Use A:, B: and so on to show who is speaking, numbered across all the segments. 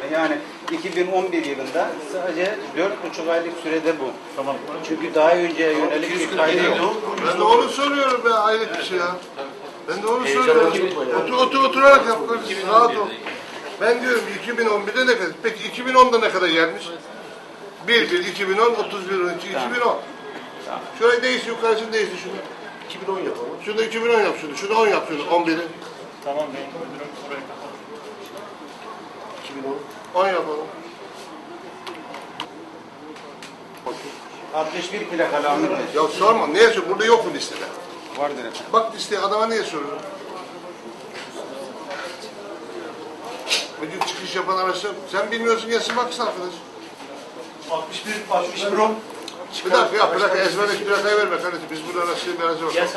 A: Yani 2011 yılında sadece 4,5 aylık sürede bu.
B: Tamam.
A: Çünkü daha önceye yönelik bir kaydı yok.
C: Ben de onu soruyorum be, hayret bir şey ya. Ben de onu soruyorum. Oturarak yap. Rahat ol. Ben diyorum 2011'de ne kadar? Peki 2010'da ne kadar gelmiş? 1, 2010, 31, 12, 2010. Şöyle değişti, yukarısını değişti şunu. 2010 yapalım. Şunu da 2010 yap şunu. Şunu 10 yap şunu. 11'i.
B: Tamam ben müdürüm oraya kapatalım.
C: 2010. 10 yapalım.
A: 61 plakalı Ahmet Bey.
C: Ya sorma. Niye soruyorsun? Burada yok mu listede?
A: Vardır efendim.
C: Bak listeye, adama niye soruyorsun? Bugün çıkış yapan araçlar, sen bilmiyorsun, gelsin baksın arkadaş.
B: 61 10.
C: Bir dakika ya, plaka ezberle, plakayı verme kardeşim. Biz burada araçları bir araca bakalım.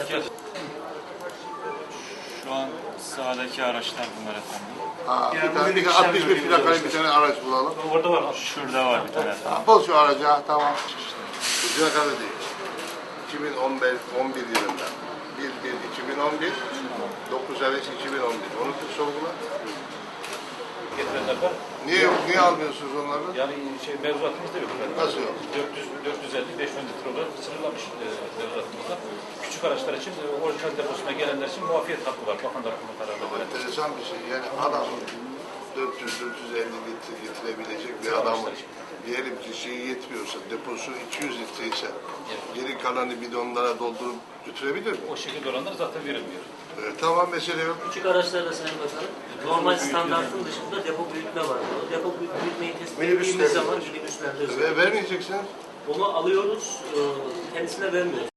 B: Şu an sahadaki araçlar bunlar efendim.
C: Ha, bir tane 61 plakalı bir tane araç bulalım.
B: Orada var. Şurada var bir tane efendim.
C: Ha, bul şu aracı, ha, tamam. Bu plakalı değil. 2011 yılında. 1-1-2011, 9 Eves 2011. Onu sorgula.
D: Getirenler var.
C: Niye almıyorsunuz onları?
D: Yani mevzuatımızda yok efendim.
C: Nasıl yok?
D: 450-500 litre olarak sınırlamış mevzuatımızda. Küçük araçlar için orijinal deposuna gelenler için muafiyet hakkı var. Bakanlar Kurulu kararına göre.
C: Enteresan bir şey. Yani adam 400-450 litre getirebilecek bir adamın diyelim ki şeyi yetmiyorsa, deposu 200 litre ise geri kalanı bidonlara doldurup götürebilir mi?
D: O şekilde olanlar zaten verilmiyor.
C: Tamam, mesele yok.
E: Küçük araçlarda Sayın Bakanım, normal standartın dışında depo büyütme var. O depo büyütmeyi tespit ettiğimiz zaman minibüslerde özellikle.
C: Vermeyeceksiniz.
E: Onu alıyoruz, kendisine vermiyoruz.